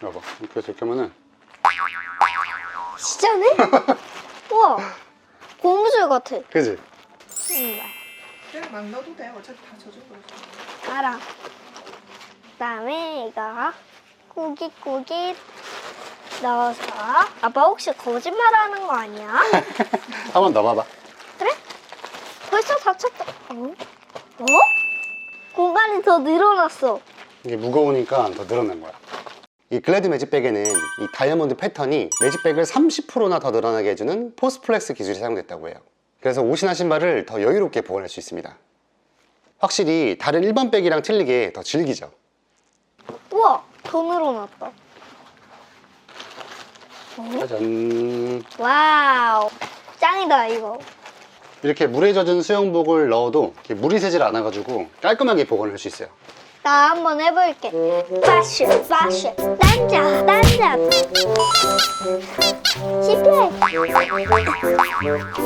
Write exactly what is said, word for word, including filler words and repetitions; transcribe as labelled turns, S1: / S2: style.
S1: 여봐, 이렇게 해서 이렇게 하면은
S2: 진짜네? 우와, 고무줄 같아.
S1: 그지?
S2: 정말.
S3: 그냥 막 넣어도 돼. 어차피 다 젖은 거라서.
S2: 알아. 그다음에 이거 꾸깃꾸깃 넣어서. 아빠 혹시 거짓말하는 거 아니야?
S1: 한번 넣어봐봐.
S2: 그래? 벌써 다 찼다. 어? 어? 공간이 더 늘어났어.
S1: 이게 무거우니까 더 늘어난 거야. 이 글래드 매직백에는 이 다이아몬드 패턴이 매직백을 삼십 퍼센트나 더 늘어나게 해주는 포스플렉스 기술이 사용됐다고 해요. 그래서 옷이나 신발을 더 여유롭게 보관할 수 있습니다. 확실히 다른 일반 백이랑 틀리게 더 질기죠.
S2: 우와, 더 늘어났다. 어?
S1: 짜잔.
S2: 와우, 짱이다 이거.
S1: 이렇게 물에 젖은 수영복을 넣어도 이렇게 물이 새질 않아가지고 깔끔하게 보관할 수 있어요.
S2: 나 한번 해볼게. 패션, 패션, 남자, 남자. 시플.